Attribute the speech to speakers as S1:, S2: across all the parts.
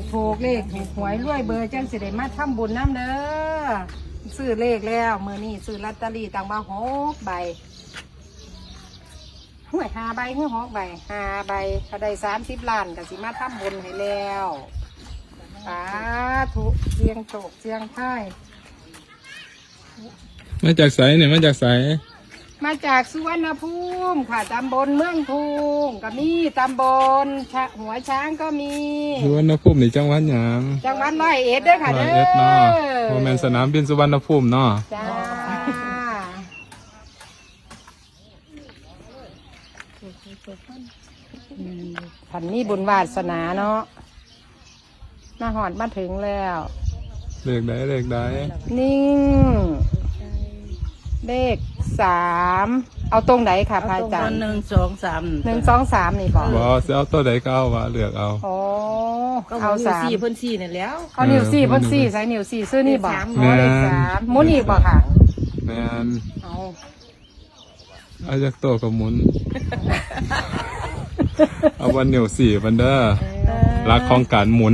S1: ถูกเลขถูกหวยรวยเบอร์จังสิได้มาทำบุญน้ำเด้อซื้อเลขแล้วมื้อนี้ซื้อลอตเตอรี่ต่างมา6 ใบห้วย5 ใบหรือ6 ใบ5 ใบถ้าได้30 ล้านก็สิมาทำบุญให้แล้วสาธุเสียงโชคเสียงไทาย
S2: มาจากไสเนี่ยมาจากไส
S1: มาจากสุวรรณภูมิค่ะตำบลเมืองทุงก็มีตำบลหัวช้างก็มี
S2: สุวรรณภูมินี่จังหวัดหยัง
S1: จังหวัดร้อยเอ็ดด้วยค่ะ
S2: ร้อ
S1: เด้
S2: ย
S1: อ
S2: เอ็ดเนาะโมเมนสนามบินสุวรรณภูมิเนาะ
S1: จ้าผันนี้บุญวาสนาเนาะมาหอดมาถึงแล้ว
S2: เลขใดเลขใด
S1: นิ่งเลข3เอาตรงไหนค่ะพระอาจารย์
S3: 1 2 3
S1: 1 2 3นี่บอก
S2: บ่สิเอาตัวใดก็เอาว่าเลือกเอา
S1: โอ้
S3: ก็
S1: เอา
S3: เอา
S1: 3
S3: สี่เพิ่นสี่นี่แล้ว
S1: เอานิ้วสี่พ่นสี่ใส่นิ้วสี่ซื้อนี่บอก
S2: แม่น
S1: เลข3หมุนอีกบอกค่ะ
S2: แม่น
S1: เอา
S2: เอาจากตัวกับหมุน เอาวันเหนียวสี่วันเด้อรักของการหมุน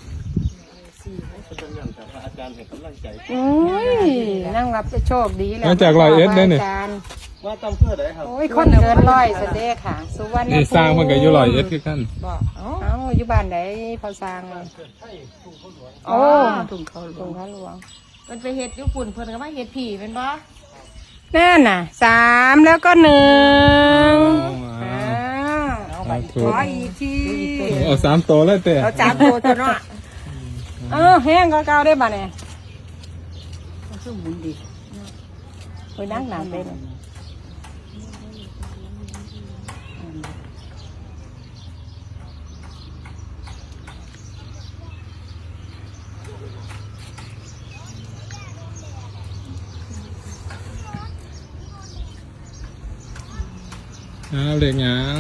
S1: อุ้ยนั่งรับจะโชคดีแล้ว
S2: มาจากร้อยเอ็ดเด้อนี่
S1: อาจารย์
S4: ว่าต้องเพื่อไหนครับ
S1: โอ้ยคนเกินร้อยสเด็จค่ะ สุวรรณ
S2: นี่สร้างเพิ่นก็อยู่ร้อยเอ็ดคือกัน
S3: บอกเอ้า
S1: เอ้าอยู่บ้านไหนพอสร้างโอ้
S3: ถุงเขาหล
S1: ตร
S3: ว
S1: ง
S3: ง
S1: พระหลวง
S3: มันไปเฮ็ดญี่ปุ่นเพิ่นก็มาเฮ็ดผีเป็นบ่
S1: นั่นน่ะ3แล้วก็1
S2: เอาไป
S1: ขออีกที
S2: เอา3ตัวเลยเต้
S3: เราจับตัวตัวเนาะ
S1: แห้งก็เก่าได้บ้าเนี่ย
S3: คือหมุนดี
S1: ไปนั่งหนาเป็น
S2: เอาเลขหยัง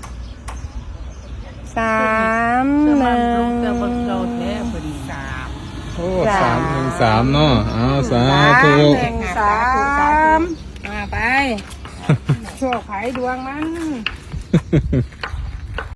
S1: 3
S3: เสื้อมันลง
S1: 1
S3: แต่บ่เก่าแท้เพิ่น3
S2: โอ้313เนาะเอาสาธุ
S1: 3 1 3มาไป โชคไผ่ดวงมัน